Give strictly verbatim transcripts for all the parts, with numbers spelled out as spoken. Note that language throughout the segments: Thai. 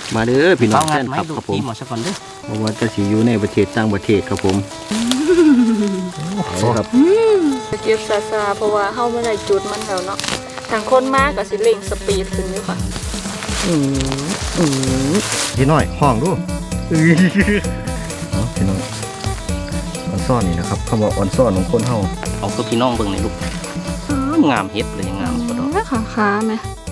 มาเด้อพี่น้องแฟนคลับครับผมมาสักก่อนเด้อเพราะว่าจะสิอยู่ในประเทศต่างประเทศครับผมครับจะเก็บซาซาเพราะว่าเฮาไม่ได้จุดมันแล้วเนาะทางคนมากก็สิเร่งสปีดขึ้นอยู่ค่ะพี่น้อยห้องดูพี่น้องออนซ่อนนี่นะครับคำว่าออนซ่อนของคนเฮาเอาก็พี่น้องเบิ่งในลูกงามเฮ็ดเลยงามกระดอกขาขาไหม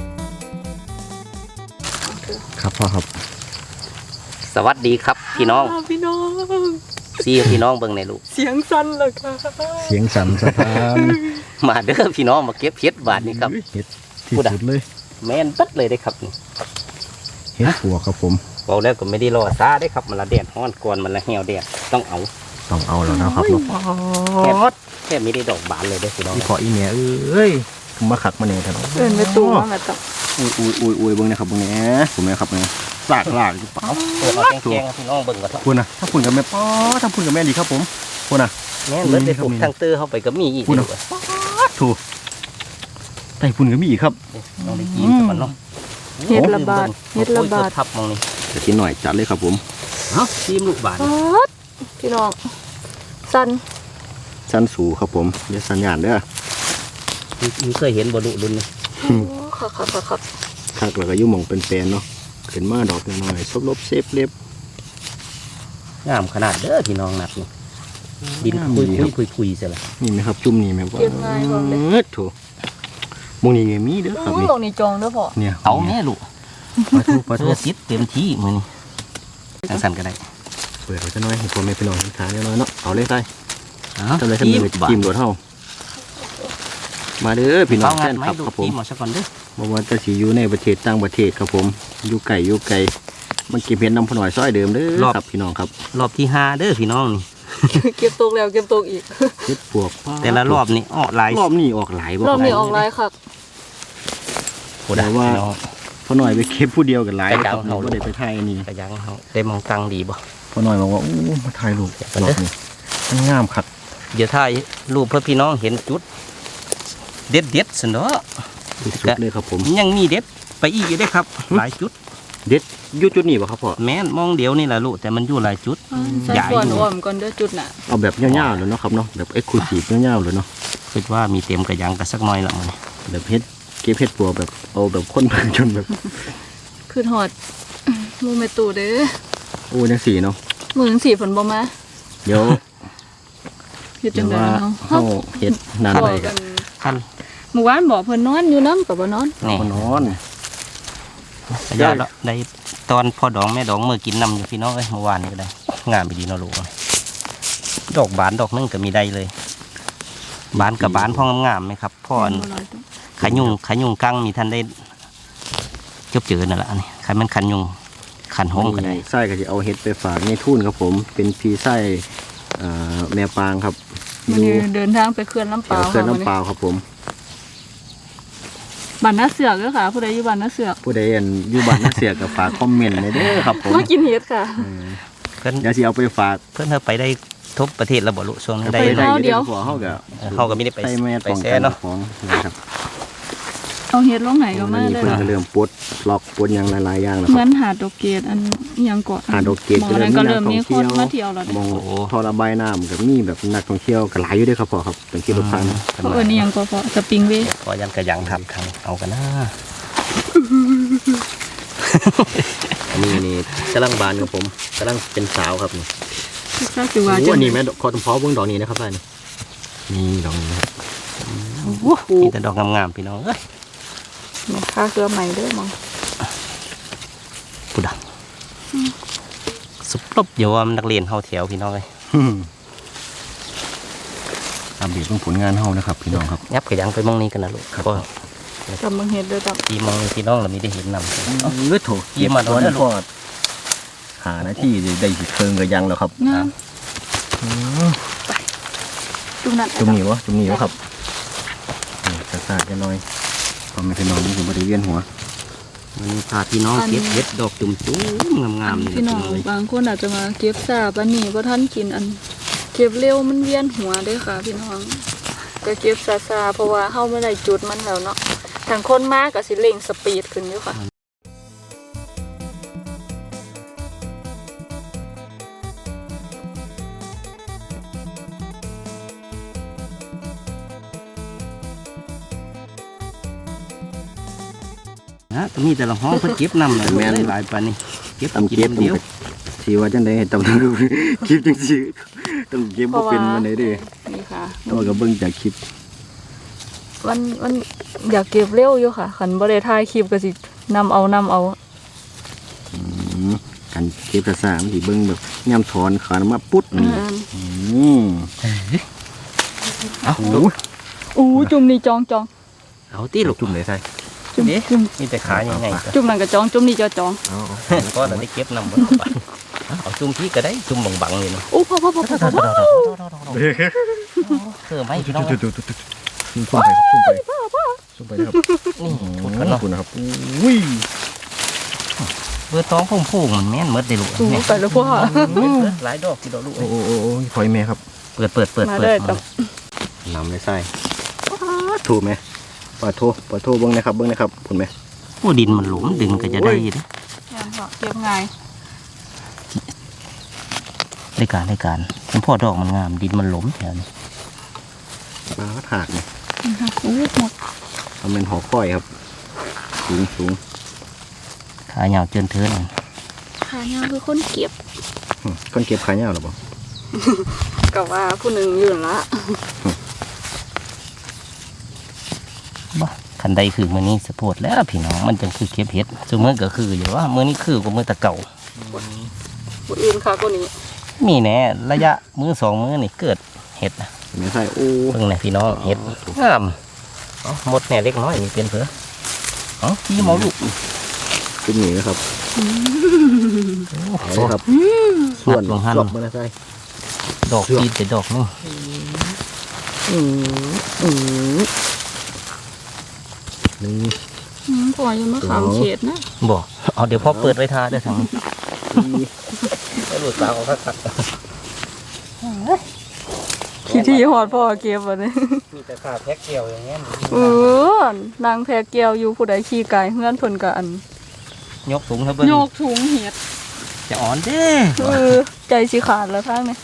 ครับพ่อครับสวัสดีครับพี่น้องพี่น้องซีพี่น้องเบิ่งในลูกเสียงสั่นเลยค่ะเสียงสั่นสะท้านมาเด้อพี่น้องมาเก็บเฮ็ดบาทนี่ครับเฮ็ดที่สุดเลยแม่นตัดเลยได้ครับนี่เฮ็ดหัวครับผมบอกแล้วก็ไม่ได้รอซาได้ครับมันละแดดฮ้อนก่อนมันละเหี่ยวแดดต้องเอาต้องเอาแล้วนะครับแค่แค่ไม่ได้ดอกบานเลยได้พี่น้องพออีเมียเอ้ยมาขักมาเนี่ยท่านเอิ้นไปตู้มาแบบต้องอุ้ยอุ้ยอุ้ยอุ้ยเบิ่งนะครับเบิ่งเนี่ยผมเนี่ยครับเนี่ยลากลากหรือเปล่าตัวเอาแข็งๆพี่น้องเบิ่งก่อนคุณนะถ้าคุณกับแม่ป้อถ้าคุณกับแม่ดีครับผมคุณนะแม่เบิดได้ปลูกทางตื้อเข้าไปก็มีอีกคุณถูกไต่คุณก็มีอีกครับลองไปกินสักวันเนาะเฮ็ดระบาดเฮ็ดระบาดทับมองนี่จะกินหน่อยจัดเลยครับผมเอ้าชิมลูกบาทพี่น้องสั้นสั้นสูครับผมเดี๋ยวสัญญาณเด้อมึงเคยเห็นบ่ดุรุ่นนี่ครับครับครับครับคักแล้วก็ยุ่งมองเป็นแปลนเนาะขึ้นมาดอกหน่อยซบลบเซฟเล็บงามขนาดเด้อพี่น้องหนักนี่ดินคุยคุยคุยคุยเสียละนี่ไหมครับจุ่มนี่ไหมว่าเออถูกมงนี่ไงมีเด้อครับนี่ตรงนี้จองเด้อพ่อเนี่ยเอาแม่ลูกปลาทูปลาทูซิดเต็มที่มือนี่ทั้งสั้นก็ได้เปิดเขาจะน้อยให้พ่อแม่พี่น้องทานน้อยเนาะเอาเลยใส่ทำเลยทำเลยจิ้มรสเท่ามาเด้อพี่น้องแฟนคลับครับผมมาสักก่อนเด้อบอกว่าจะสิอยู่ในประเทศต่างประเทศครับผมอยู่ไก่อยู่ไก่มันเก็บเห็ดน้ำพน่อยซ้อยเดิมเด้อครับพี่น้องครับรอบที่ห้าเด้อพี่น้องนี่เก็บตกแล้วเก็บตกอีกเก็บปวกแต่ละรอบนี่ออกหลายรอบนี้ออกหลายรอบนี้ออกหลายครับแต่ว่าพอหน่อยไปเก็บผู้เดียวกันหลายครับเราก็ได้ไปไทยนี่กระยังเขาได้มองตังดีบ่พอหน่อยบอกว่าอู้มาถ่ายรูปรอบนี้มันงามคักเดี๋ยวถ่ายรูปเพื่อพี่น้องเห็นจุดเด็ดเด็ดสิเนาะสุดเลยครับผมยังมีเด็ดไปอีกอยู่ได้ครับหลายจุดเด็ดอยู่จุดนี้ป่ะครับพ่อแม่นมองเดียวนี่แหละลูกแต่มันอยู่หลายจุดใหญ่อยู่อ่อมก่อนด้วยจุดน่ะเอาแบบยาวๆเลยเนาะครับเนาะแบบเอ็กซ์คลูซีฟยาวๆเลยเนาะคิดว่ามีเต็มกระยังกันสักหน่อยละมันแบบเฮ็ดเก็บเฮ็ดปัวแบบเอาแบบคนเพิ่งจนแบบคือหอดมูเมตูเด้อโอ้ยังสีเนาะมือสีฝนบ่มาเดี๋ยวเฮ็ดจังได๋เนาะเฮาเฮ็ดนานไปกันคันเมื่อวานบอกเพิ่นนอนอยู่นำก็บ่นอนบ่นอนยาแล้วได้ตอนพ่อดองแม่ดองมื้อกินนำอยู่พี่น้องเอ้ยเมื่อวานนี้ก็ได้งามไปดีเนาะลูกดอกบานดอกนึงก็มีได้เลยบานกับบานพ่องามๆมั้ยครับพ่อขยุงขยุงกังมีท่านได้จบเจอนั่นล่ะนี่ใครมันขันยุงขันห้องก็ได้ไส้ก็สิเอาเฮ็ดไปฝากในทุ่นครับผมเป็นพี่ไส้แม่ปางครับอยู่เดินทางไปเขื่อนลำปาวเขื่อนลำปาวครับผมบ้านน้าเสือกเด้อค่ะผู้ใดอยู่บ้านน้าเสือกผู้ใดอยู่บ้านน้าเสือกกับฝากคอมเมนต์เลยเด้อครับผมมากินเห็ดค่ะเพิ่นอย่าสิเอาไปฝากเพิ่นเธอไปได้ทบประเทศแล้วบ่ลูกช่วงนั้นได้ได้เดียวเฮาก็เฮาก็ไม่ได้ไปไปแซ่เนาะนะครับเอาเห็ดลงไหนก็มาเลยเพิ่นก็เริ่มปลดล็อกปลดอย่างหลายๆอย่างแล้วเหมือนหาดดอกเกดอันยังเกาะหาดดอกเกดก็เริ่มมีคนมาเที่ยวแล้วมองทอระบายน้ำกับมีแบบนักท่องเที่ยวก็หลายอยู่ด้วยครับพ่อครับเป็นที่รถพันเพราะเออนี่ยังก็พอสปริงเวย์พอยันกระยังทำทางเอากันนะอันนี้นี่กำลังบานครับผมกำลังเป็นสาวครับนี่อันนี้แม่คอตมพอเบื้องดอกนี้นะครับท่านนี่ดอกนี้มีแต่ดอกงามๆพี่น้องเอ้ยค่าเกลือใหม่ด้วยมั้งกูดังสุบลบอยู่ว่านักเรียนเฮาแถวพี่น้องเลยตามบีบผลงานเฮานะครับพี่น้องครับยับกระยังไปมองนี้กันนะลูกก็จำมึงเห็นด้วยครับทีมองพี่น้องเรามีได้เห็นนำเลือดโถยี่มาโดนแล้วหาหน้าที่ได้หิดเพิงกระยังแล้วครับจุ่มนั่นจุ่มหนีวะจุ่มหนีวะครับสะสะกันหน่อยพอไม่เป็นนอนนี่คือบริเวณหัวมันพาพี่น้องเก็บเห็ดดอกจุ่มจุ่มงามๆพี่น้องบางคนอาจจะมาเก็บซาปะนี่เพราะท่านกินอันเก็บเร็วมันเวียนหัวด้วยค่ะพี่น้องก็เก็บซาซาเพราะว่าเฮาไม่ได้จุดมันแล้วเนาะทางคนมากก็สิเร่งสปีดขึ้นอยู่ค่ะนะตรงนี้แต่ละห้องเพิ่นเก็บน้ำเลยแม่หลายปานนี้เก็บตำเก็บเดียวสีว่าจังได๋ให้ตำดูคลิปจังซี่ตำเก็บบ่เป็นมันได้เด้นี่ค่ะตัวก็เบิ่งจากคลิปมันมันอยากเก็บเร็วอยู่ค่ะขันบ่ได้ถ่ายคลิปก็สินำเอานำเอาอืมการเก็บกระซ่ามันสิเบิ่งแบบย่ำถอนขามาปุ๊ดนี่อืมเอาโอ้อู้จุ่มนี่จองจองเอาตีลูกจุ่มเลยใส่จุ่มเอ๊ะจุ่มมีแต่ขายังไงก็จุ่มนั่นก็จองจุ่มนี่จะจองเอาก็แต่ได้เก็บน้ำบนไปเอาจุ่มที่ก็ได้จุ่มบังๆเลยเนาะอู้พอพอพอพอพอเพิ่มให้พี่น้องจุ่มจุ่มจุ่มจุ่มไปจุ่มไปจุ่มไปนะครับนี่พูดกันเนาะคุณนะครับอุ้ยเบอร์ท้องพุ่งพุ่งมันแม่นเมดได้ลูกอู้ไปแล้วพ่อหลายดอกกี่ดอกลูกโอ้โอ้โอ้โอ้พอยแม่ครับเปิดเปิดเปิดมาเปิเลยดต้องนำเลยใส่ถูกไหมปลาโทปลาโทเบิ้งนะครับเบิ้งนะครับคุณไหมผู้ดินมันหลุมดึงก็จะได้ดิงานพ่อเก็บง่ายได้การได้การคุณพ่อดอกมันงามดินมันหลุมแถวนี้ปลาถากเนี่ยอู้หมดทำเป็นหอคอยครับสูงสูงขายาวเจินเทินขายาวคือคนเก็บอืมคนเก็บขายเงาหรอเปล่าก็ว่าผู้หนึ่งอยู่นั่นละบ่คันใดคือมือนี้สะโพดแล้วพี่น้องมันจังคือเก็บเห็ดซุมื้อก็คืออยู่ว่ามือนี้คือกว่ามือตะเก่าผู้อื่นค่ะคนนี้มีแน่ระยะมือสองมือนี่เกิดเห็ดนะเห็นไหมใส่โอ้เพิ่งไหนพี่น้องเห็ดงามเอาหมดแน่เล็กน้อยนี่เป็นเผือเอาพี่เมาลูกขึ้นหนีนะครับโอ้เอาโหเลยครับส่วนลงหันสวบมาเลยใส่ดอกจีนแต่ดอกนึงอืมอืมนี่อืมพ่อยังมาขามเขตนะบอกเอาเดี๋ยวพ่อเปิดไว้ทาเด้อทางนี้ให้ลูกสาวเขาคัดขี้ที่หอดพ่อเก็บวันนี้มีแต่ขาแพ็กเกี่ยวอย่างเงี้ยเออนางแพรแก้วอยู่ผู้ใดขี้กายเฮือนเพิ่นก็อันยกถุงเถอะเบิ้งโยกถุงเห็ดจะอ่อนเด้เออใจสิขาดแล้วทางนี้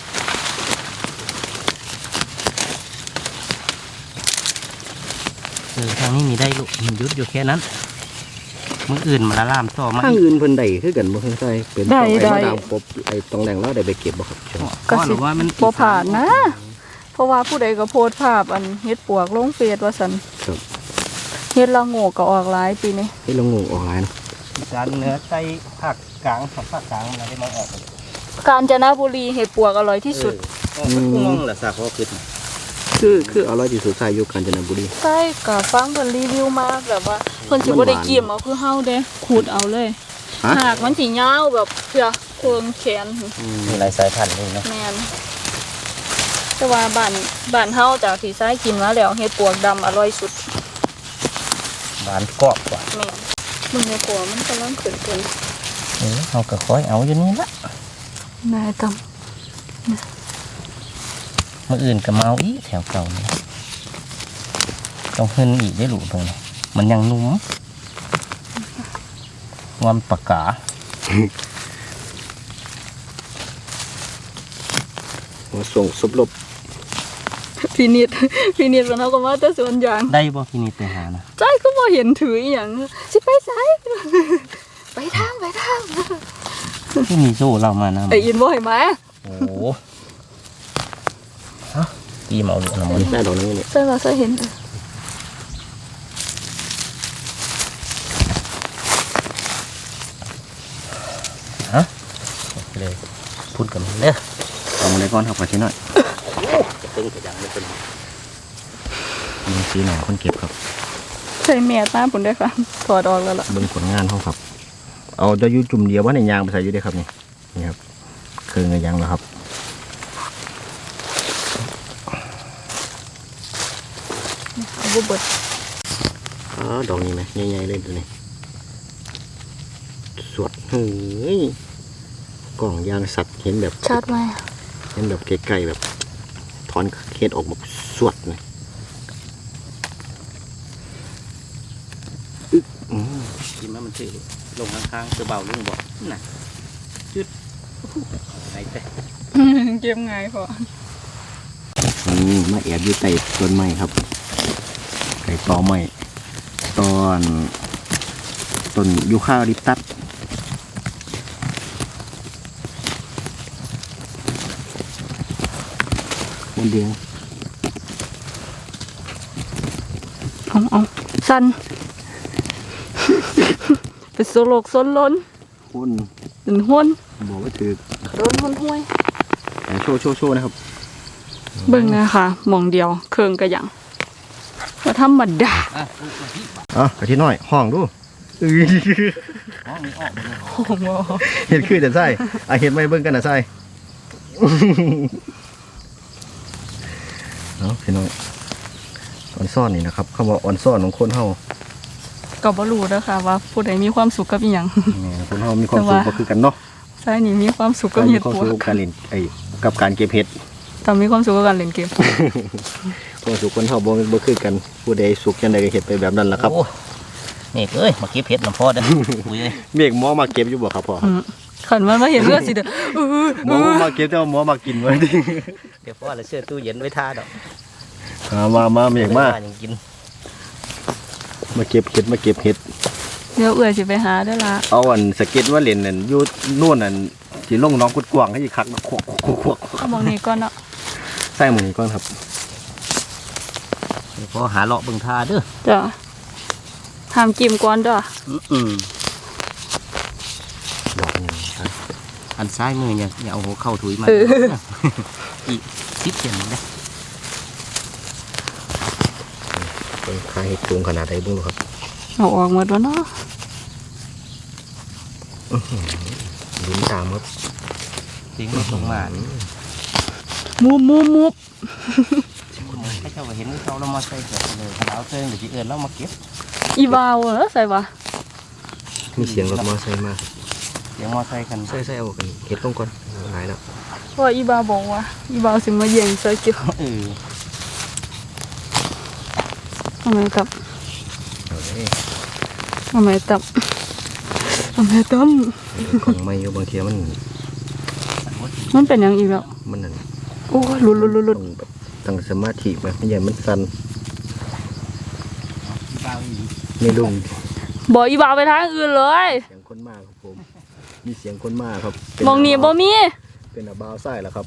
เออทางนี้มีได้ลูกมันยุดอยู่แค่นั้นมืออื่นมาละลามต่อมาข้างอีกอื่นเพิ่นได้คือกันบ่เพิ่นใส่เป็นต้องไอ้มาดามปบไอ้ตองแดงแล้วได้ไปเก็บบ่ครับเชิญก็หสิรือว่ามันบ่ผ่านนะ เพราะว่าผู้ใดก็โพสต์ภาพอันเฮ็ดปวกลงเฟซว่าซั่นครับเฮ็ดละโงกก็ออกหลายปีนี้ให้ลงงงออกหลายเนาะจานเนื้อใส่ภาคกลางภาคกลางอะไรได้มาออกเลยกาญจนบุรีเห็ดปวกอร่อยที่สุดเออมันกุ้งเหรอซาเขาขึ้นคือคืออร่อยที่สุดใส่อยู่กาญจนบุรีใช่ก็ฟังเพิ่นรีวิวมาแบบว่าเพิ่นสิบ่ได้เกี่ยมเอาคือเฮาเด้ขูดเอาเลยฮะหากมันสิยาวแบบเพื่อโคนแขนมีหลายสายพันธุ์เลยเนาะแม่นแต่ว่าบ้านบ้านเฮาจากที่ซ้ายกินมาแล้วเห็ดปวกดำอร่อยสุดบานกรอบกว่าแม่นมึงในปัวมันกำลังขึ้นขึ้นเออเขาก็คอยเอาอยู่นี่ละนายตมื่ออื่นก็มาเอาอีกแถวเก่านี่ต้องขึ้นอีกได้หลูเพิ่งมันยังนุ่มวันปากกามาส่งสบลบำพี่นิด พี่นิดมันเฮาก็มาแต่สวนยางได้บ่พี่นี่ไปหานะใจก็บ่เห็นถืออีหยังสิไปไส ไปทางไปทางที่มีโซ่เรามานะไอ้อินบ่ให้มาโอ้โหฮะพี่เมาหลูน้ำมันได้ดอกนึงนี่ใช่ว่าใช่เห็นเลยพูดกันเลยเอามาเลยก่อนครับขอชิ้นหน่อยตึงกระยังไม่เป็นมีสีหนาคนเก็บครับใช่แม่ตามผลได้ค่ะถอดออกแล้วล่ะเบิ่งผลงานเขาครับ เอาจะอยู่จุ่มเดียวว่าในยางไปใส่อยู่ได้ครับนี่นี่ครับเครื่องในยางแล้วครับเอาบ่เบิดอ๋อดอกนี้ไหมใหญ่ๆเลยตัวนี้สวดเฮ้ยกล่องยางสัตว์เห็นแบบชัดไหมเห็นแบบไกลๆแบบถอนเคสออกแบบสวดเลยอึ๊กอืมกินมามันถือลงข้างๆคือเบาลุงบอกน่ะจุดไหนแต่เก็บไงพออืมมาแอบอยู่ใต้ต้นไม้ครับไก่ตอไม้ตอนต้นยูคาลิปตัสบนเดียงเอาเอาสัน เป็นโซโลกโซนล้นคุณเป็นห้วนบอกว่าถือโดนห้วนห้วยโชว์โชว์โชว์นะครับเบิ่งนะคะหมองเดียวเครื่องกระยังว่าธรรมดาอ่ะไปที่น้อยห้องดูอื้อโอ้โหเห็นคือแต่ไส้อ่ะเห็นไหมเบิ่งกันนะไส้ เอาพี่น้อยออนซ่อนนี่นะครับคำว่าออนซ่อนของคนเฮาก็บ่รู้เด้อค่ะว่าผู้ใดมีความสุขกับอีหยังแหมคนเฮามีความสุขก็คือกันเนาะใช่นี่มีความสุขกับมีเฮ็ดความปัวสุขกับการเล่นไอ้กับการเก็บเห็ดแต่มีความสุขกับการเล่นเกมความสุขคนเฮาบ่บ่คือกันผู้ใดสุขจังใดก็เฮ็ดไปแบบนั้นล่ะครับโอ้เมฆเอ้ยมาเก็บเห็ดน้ำพ่อเด้ออุ้ยเอ้ยเมฆหมอมาเก็บอยู่บ่ครับพ่ออืมขันมันมาเห็นเลือดสิเด้อเออหมอบ่มาเก็บแต่ว่าหมอมากินไว้ดิเดี๋ยวพ่อเลยเชื่อตู้เย็นไว้ท่าดอกอ่ามามาเมฆมายังกินมาเก็บเห็ดมาเก็บเห็ดเดี๋ยวเอื้อยสิไปหาเด้อล่ะเอาอันสเก็ตว่าเล่นนั่นอยู่นู่นนั่นสิลงน้องกุดกวางให้อีกคักควักควักควักเอามองนี้ก่อนเนาะใส่หมื้นี้ก่อนครับเดี๋ยวพ่อหาเลาะเบิ่งท่าเด้อจ้ะห้ามจิ้มก่อนเด้ออืมดอกหนึงครับอันซ้ายมืออย่าอย่าเอาหัวเข้าถุยมาอีกสิบเซนเลยเป็นคาเห็ดสูงขนาดใดเบิ่งดูครับเอาออกหมดแล้วเนาะลุ้นตามครับเสียงมันลงมามุบมุบมุบถ้าเจ้าเห็นเขาเรามาใส่เกลือเลยเราเอาเส้นหรือที่เอื่นเรามาเก็บอีวาวเหรอใส่วะมีเสียงรถมอเตอร์ไซค์มาเดี๋ยวมอไซค์กันใส่ใส่เอากันเห็ดลงก่อนหลายแล้วเพราะว่าอีวาวบอกว่าอีวาวสิมาแย่งใส่เกี่ยวเออทำไมตับเอาเลยทำไมตับทำไมตับของไม่อยู่บางทีมันมันเป็นหยังอีกแล้วมันนั่นโอ้ยหลุดหลุดหลุดหลุต้ดองแบบตั้งสมาธิมาไม่ใช่มันสั่นเบาอีกไม่ลุ่มบอกอีวาวไปทางอื่นเลยเสียงคนมากครับผมมีเสียงคนมากครับมองนี่บ่มีเป็นอาบาวไส้แล้วครับ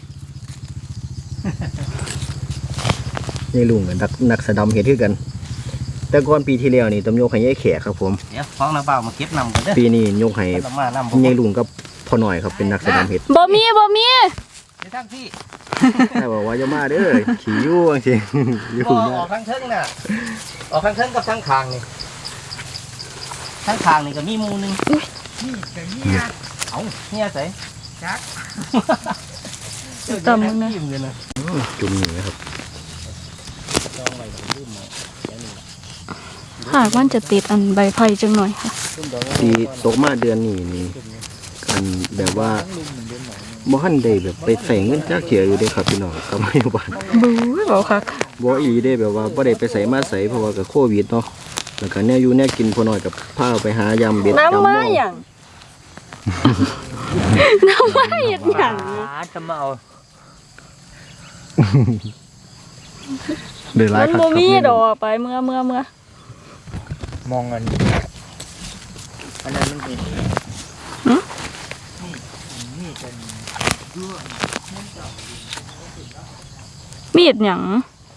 นี่ลุงกับนักนักสะดำเห็ดคือกัน แต่ก่อนปีที่แล้วนี่ตำโยกให้ยายแขกครับผมเดี๋ยวฟ้องน้าเบามาเก็บนำกันเด้อปีนี้ยกให้เรามานำยายลุงกับพ่อหน่อยครับเป็นนักสะดำเห็ดบ่มีบ่มีในทางที่แต่บอกว่าจะมาเด้อขี่ยู่จริงๆยู่บ่อนะอกทางเทิงน่ะออกทางเทิงกับทางคางนี่ทางคางนี่ก็มีหมูหนึงนี่ก็เฮียเอาเฮียใส่จักตำมึงนะจิ้มเลยนะอืมจุ่มหนึ่งนะครับจองไว้ก็ลืมหมดเดี๋ยวนี้หากมันจะติดอันใบไผ่จังหน่อยค่ะลืมดอกปีตกมาเดือนนี้นี่อันแบบว่าบ่ทันได้แบบไปใส่เงินจักเขียอยู่เด้ครับพี่น้องกลับมาอยู่บ้านบู๊ยบอกค่ะบ่อีเด้แบบว่าบ่ได้ไปใส่มาใส่เพราะว่ากับโควิดเนาะแล้วก็เนี่ยอยู่เนี่ยกินพอหน่อยกับพาไปหายำเบ็ดยำน้ำม่มาองอย่าง น้ำมาอย่างอย่างจะมาเอาเดือดร้ายมันครับบ่มีครับดอกไปเมื่อเมื่อเมื่อมองอันนี้อันนั้นมันเป็นมีดหยัง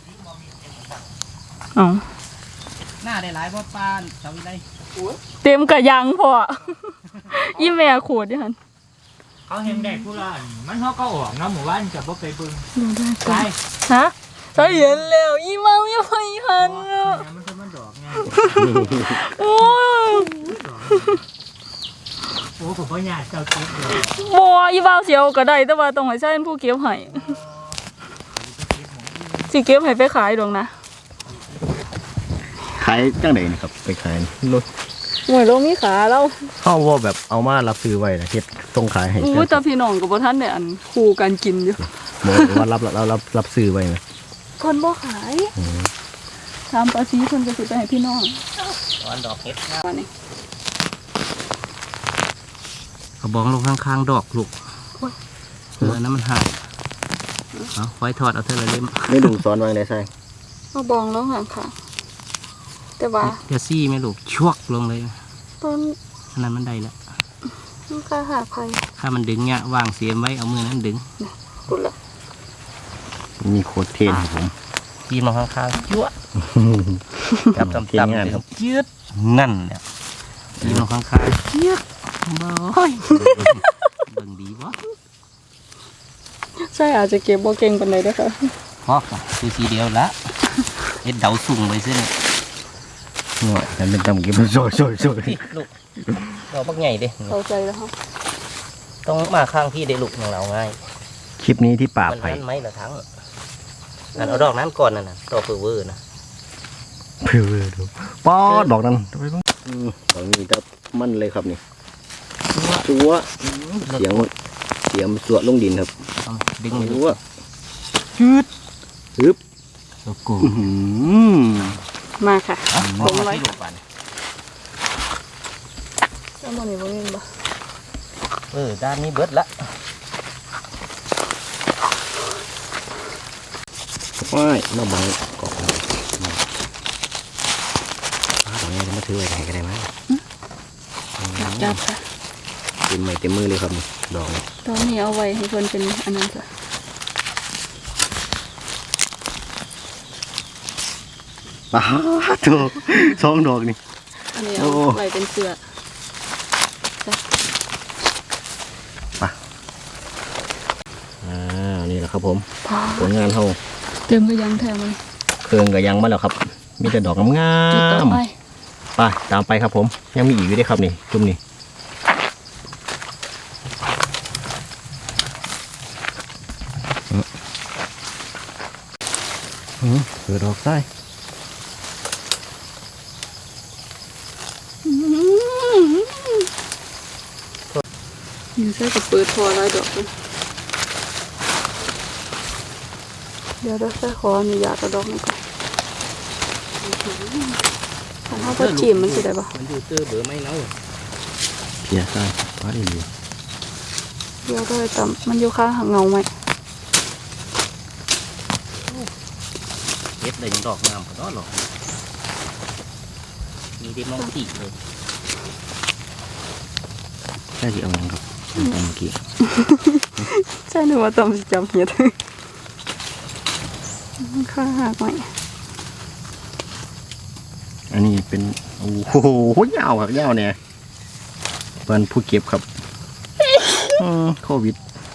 เอาหน้าได้หลายบ่ปานชาววิไลเต็มกะยังพอ อีแม่ขวดดิฮันเขาเห็นแดกผู้ละอันมันเขาก็ออกเนาะหมู่บ้านกับบ่เคยเบิ่งใช่ฮะใช่เห็นแล้วอีเมาอย่าไปหันอ่ะเนี่ยมันก็มันดอกไงโอ้ยโอ้ผมก็อยากเจ้าเก็บเลยบัวอีบ่าวเสียวก็ได้แต่ว่าต้องให้ใช้เป็นผู้เก็บให้สิเก็บให้ไปขายดอกนะขายจังไดนี่ครับไปขายรถหวยโลมีขาแล้วเฮาว่าแบบเอามารับซื้อไว้นะเฮ็ดส่งขายให้อู้แต่พี่น้องกับบ่ทันได้อันคู่กันกินอยู่บ่ว่ารับรับรับรับซื้อไว้นะคนบ่ขายถามภาษีเพิ่นก็สิไปให้พี่น้องตอนดอกเห็ดว่านี่กระบองลงข้างๆดอกลูกเออนั้นมันหายเอาไว้ถอดเอาเท่าไรเล่มไม่ลุงสอนว่าไงใส่มาบองแล้วห่างค่ะแต่ว่าอย่าซี่ไหมลูกชวกลงเลยต้นอันนั้นมันได้แล้วมันค่าหาใครถ้ามันดึงเนี่ยวางเสียมไว้เอามือนั้นดึงกุละมีโคตรเทนครับผมทีมข้างๆยั่วจับตำเทนๆงานเลยครับยืดนั่นแหละทีมข้างๆยืดบ่อยเบิ่งดีบ่ใช่อาจจะเก็บบ่เก่งปานใดเด้อค่ะพอคือสีเดียวละเอ็ดเดาสุ่งไว้ซิเนี่ยเนาะแต่เป็นตำกินมันโซ่โซ่โซ่พี่ลูกเราบักใหญ่เด้เข้าใจแล้วค่ะต้องมาข้างพี่ได้ลูกของเราง่ายคลิปนี้ที่ป่ามันไผ่นั้นไหมละทั้งนั่นเอาดอกนั้นก่อนนั่นน่ะดอกเฟอร์เวอร์นะเพื่อดูป๊อดดอกนั้นอืมดอกนี้จะมันเลยครับนี่ตัวเสียงเสียงตัวลงดินครับเอามาดึงเลยตัลูวกยืดฮึบลูกกูอื้อหือมาค่ะเอาลงมาไว้ที่ลูกปันแล้วมันนี่บ่มีบ่เออด้านนี้เบิดละว้ายมาบังกอกเลยป้าดอกนี้จะมาถือไว้ไหนก็ได้มั้ยจับค่ะเต็มไม้เต็มมือเลยครับนี่ดอกนี้ตอนนี้เอาไว้ให้เพิ่นเป็นอันนั้นจ้ะป้าตัวสองดอกนี่อันนี้เอาโอ้ไว้เป็นเสื้ออ่านี่แหละครับผมพอผลงานเขาเต็มก็ยังแถมมันเครื่องกับยังมาแล้วครับ มีแต่ดอกงาจุดต่อมไปๆไปตามไปครับผมยังมีอีกอยู่ด้วยครับนี่จุ่มนี่อืมเปิดดอกไส้อยู่ใส่กับเปิดพอหลายดอกเลยเดี๋ยวเราจะขออนุญาตเอาดอกนี้ก่อนถ้าเขาก็จิ้มมันสิได้ปะมันอยู่เตอร์เบอร์ไม่เน่าเพียไส้ว่าได้ดีเดี๋ยวด้วยแต่มันอยู่ข้างหางเงาไหมเฮ็ดได้ยังดอกงามกว่าดอกหรอกมีได้มองสีเลยได้สิเอาหยังครับตามเมื่อกี้ใช่หนูว่าตำสิจำเหี้ยข้างหากไหมอันนี้เป็นโอ้โหยาวครับยาวเนี่ยเป็นผู้เก็บครับอืมโควิด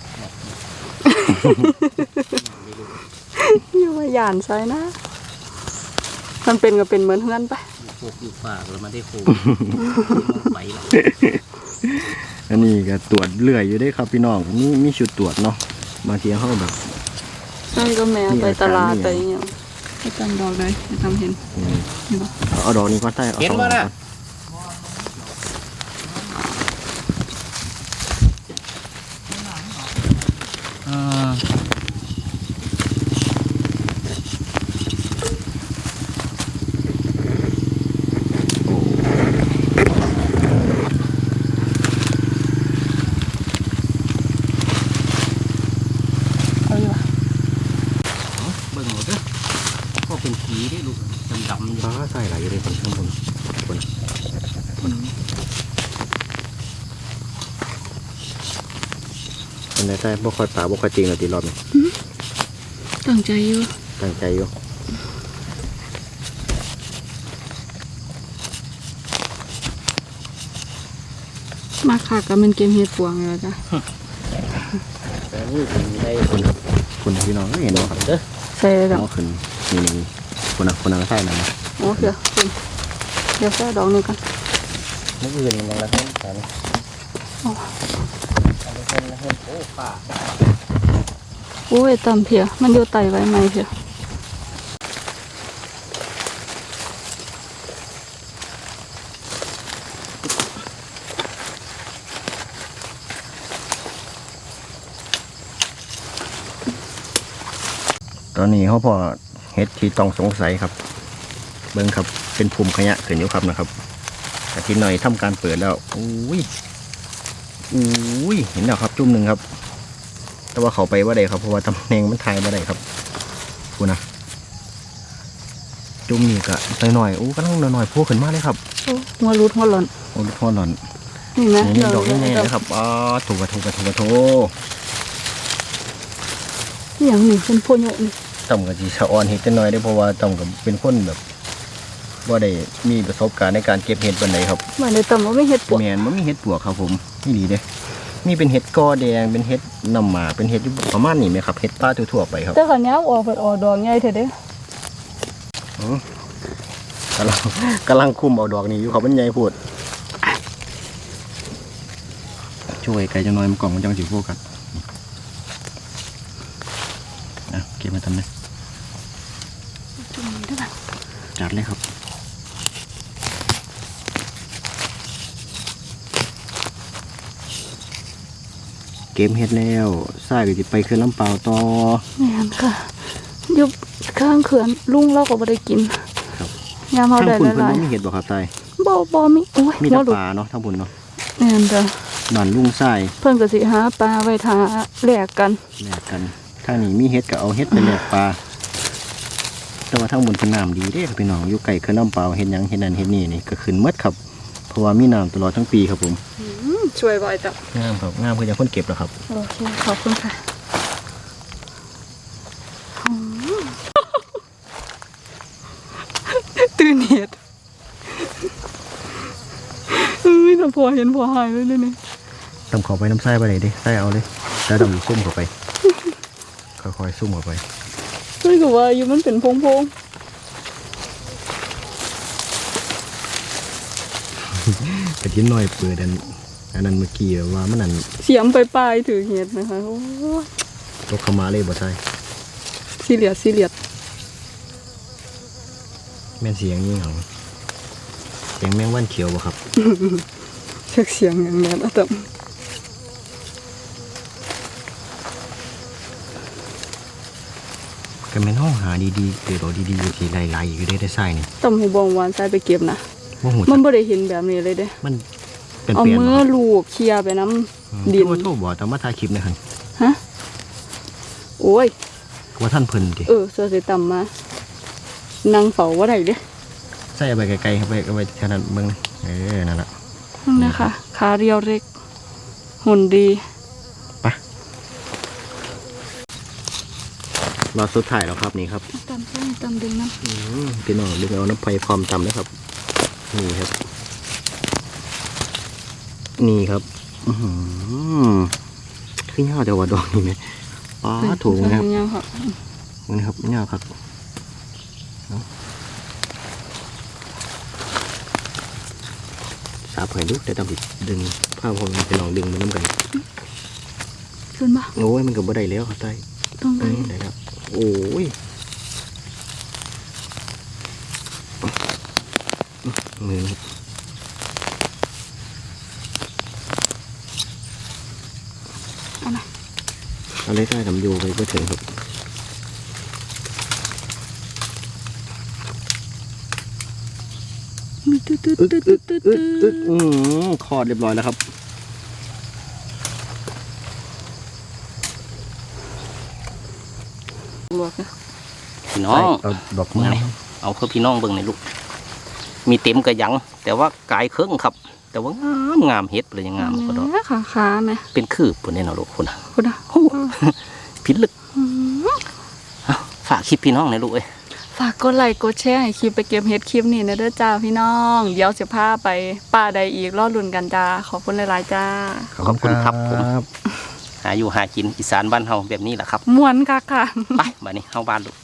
อย่ามาหยานใส่นะ มันเป็นก็เป็นเหมือนเพื่อนไปโคกอยู่ปากแล้วมาได้โคกไปแล้วอันนี้ก็ตรวจเลื่อยอยู่ได้ครับพี่น้องมีมีชุดตรวจเนาะบางทีเขาแบบใช่ก็แม่นี่ไปตลาดอาการนี่ไปอย่างเงี้ยไปจำดอกเลยไปจำเห็นอืมเห็นปะเอาดอกนี้ก็ได้เอาเห็นสองดบ่อกน่ะก่อนอืมเอาอยู่ปะเบิ่งหมดเด้อก็เป็นผีได้ลูกดำๆอยู่ฟ้าใส่ไหลอยู่เลยคนข้างบนคนคนไหนใต้บ่ค่อยป่าบ่ค่อยจริงเลยตีรอบนี้ตั้งใจอยู่ตั้งใจอยู่มาค่ะก็มันเกมเฮ็ดปวงเลยจ้ะแต่นี่เป็นได้คนครับคนพี่น้องก็เห็นบ่ครับเด้อใส่เลยดอกเอาขึ้นนี่นี่คนน่ะคนนั้นก็ใส่นั่นนะโอ้เดี๋ยวคุณเดี๋ยวใส่ดอกนี้กันมื้ออื่นยังละเพิ่นกันอันนี้เพิ่นละเพิ่นโอ้ป่าโอ้ยตำเพียมันอยู่ไตไว้ไหมเพียตอนนี้เขาพอเฮ็ดที่ต้องสงสัยครับ เบิ้งครับเป็นภูมิขยะขึ้นอยู่ครับนะครับอาทิตย์หน่อยทำการเปิดแล้วอุ้ยอุ้ยเห็นแล้วครับจุ่มหนึ่งครับ แต่ว่าเขาไปว่าใดครับเพราะว่าตำแหน่งมันทายว่าใดครับคุณนะจุ่มนี่กะหน่อยๆอู้ก็ต้องหน่อยๆพูขึ้นมาเลยครับโอ้หัวรุดหัวหล่อนโอ้ยพ่อหล่อนนี่นะนี่ดอกนี่ๆนะครับอ๋อถูกกระถูกกระถูกกระโถนี่อย่างนี้เป็นพวกโยกนี่ต่ำกับจีชะออนเห็ดจังน้อยได้อเพราะว่าต่ำกับเป็นคนแบบว่าได้มีประสบการณ์ในการเก็บเห็ดปันไหนครับมาในต่ำว่าไม่เห็ดปวกแมนมันมีเห็ดปวกครับผมนี่ดีเด้มีเป็นเห็ดกอแดงเป็นเห็ดน้ำหมากเป็นเห็ดอยู่ประมาณนี้ไหมครับเห็ดป้าทั่วๆไปครับแต่ขันย้ำออกเปิดออกดอกใหญ่เถอะเด้อืมกำลังกำลังคุมเอาดอกนี้อยู่ครับมันใหญ่โพูดช่วยไก่จังน้อยมันกล่องมันจังสิโฟกัสนะเก็บมาทำเลยจัดเลยครับเกมเฮ็ดแล้วทรายก็จะไปคือลำเปล่าต่อแม่นค่ะอยุบข้างเขื่อนลุงเราก็บ่ได้กินครับยามเฮาทั้งได้คุณหเพิ่นลายบ่มีเห็ดบ่ครับทรายๆบ่บ่มีโอ้ยมีหัแต่วหลุปดลาเนาะทั้งบุญเนาะแม่นจ้ะบ้านลุงทรายเพิ่นก็สิหาปลาไว้ทาแลกกันแลกกันทางนี้มีเห็ดก็เอาเห็ดไปแลกปลาแต่ว่าทั้งบุญเป็นน้ำดีเด้ครับพี่น้องอยู่ไกลคือลำเปล่าเห็ดหยังเห็ดนั่นเห็ดนี่นี่ก็ขึ้นหมดครับเพราะว่ามีน้ำตลอดทั้งปีครับผมอืมช่วยบ่อยจ้ะงามครับงามคือจะคนเก็บแล้วครับโอเคขอบคุณค่ะอืม ตื่นเห็ดเอ้ยแต่พอเห็นพอหายเลยเนี่ยตำเข้าไปน้ำไส้ไปเลยดิไส้เอาเลยแล้วดำซุ่มเข้าไป ค่อยๆซุ่มเข้าไปเฮ้ยก็ว่าอยู่มันเป็นพงพงกระทิ้นน้อยเปิดอันอันนั้นเมื่อกี้ว่ามันนั่นเสียมไปปลายถือเห็ดนะคะโอ้ยตกเข้ามาเลยบ่ใช่ซีเรียสซีเรียสแม่นเสียงยิ่งเหรอเสียงแมงวันเขียวบ่ครับเช็คเสียงอย่างนี้นะแต่ก็แม่นห้องหาดีๆเดี๋ยวเราดีๆอยู่ที่ไล่ๆอยู่ได้ได้ไส้นี่ต่ำหูบองหวานใส่ไปเก็บนะว่าหูมันไม่ได้เห็นแบบนี้เลยเด้มันเป็นเอาเปลี่ยนมือบ่ครับลูบเคลียร์ไปน้ำดินว่าโทษบ่แต่มาถ่ายคลิปเลยคันฮะโอ้ยว่าท่านเพิ่นดิเออเสือสีต่ำมานั่งเฝ้าว่าไรเด้ใส่เอาไปไกลๆเอาไปเอาไปขนาดเบิ่งเออนั่นล่ะนั่นนะคะขาเรียวเล็กหุ่นดีรอบสุดท้ายแล้วครับนี่ครับต่ำใช่ต่ำดึงน้อืมพี่น้องดึงเอาน้ำไผ่พร้อมตำนะครับ นี่ครับ นี่ครับ อือหือขึ้นยอดแต่ว่าดอกนี่ไหมป้าำถูกนะครับเงี้ยค่ะนี่ครับยอดครับเอาสาบเผยลูกแต่ต้องดึงผ้าพรมไปลองดึงมันน้ำกันขึ้นมาโอ้ยมันก็บ่ได้แล้วครับใต้ต้องอืได้มได้แล้วโอ้ยมือครับเอาไหนเอาเลยได้ทำโยไปเพื่อถึงครับมีตึ๊ดตึ๊ดอึดตึ๊ดอึตึ๊ดดอึตึ๊ดดอึดอืมคอดเรียบร้อยแล้วครับบวกนะพี่น้องเอาดอกไม้เอาเพื่อพี่น้องเบิ่งในอยลูก มีเต็มกระยัง แต่ว่ากายเครื่องครับ แต่ว่างามงามเฮ็ดเลยยังงามก็ดอกขาขาไหมเป็นคืบปุ่นเนี่ยเนาะลูกคุณนะคุณอะพิลึกอืมเอาฝากคลิปพี่น้องในอยลูกเอ้ยฝากกดไลค์กดแชร์ให้คลิปไปเก็บเห็ดคลิปนี้นะเด้อจ้าพี่น้อง เดี๋ยวจะพาไปป่าใดอีกรอลุ้นกันจ้า ขอบคุณหลายๆจ้าขอบคุณครับผม หาอยู่หากินอีสานบ้านเฮาแบบนี้แหละครับมวนค่ะค่ะไปบัดนี้เฮาบ้านลูก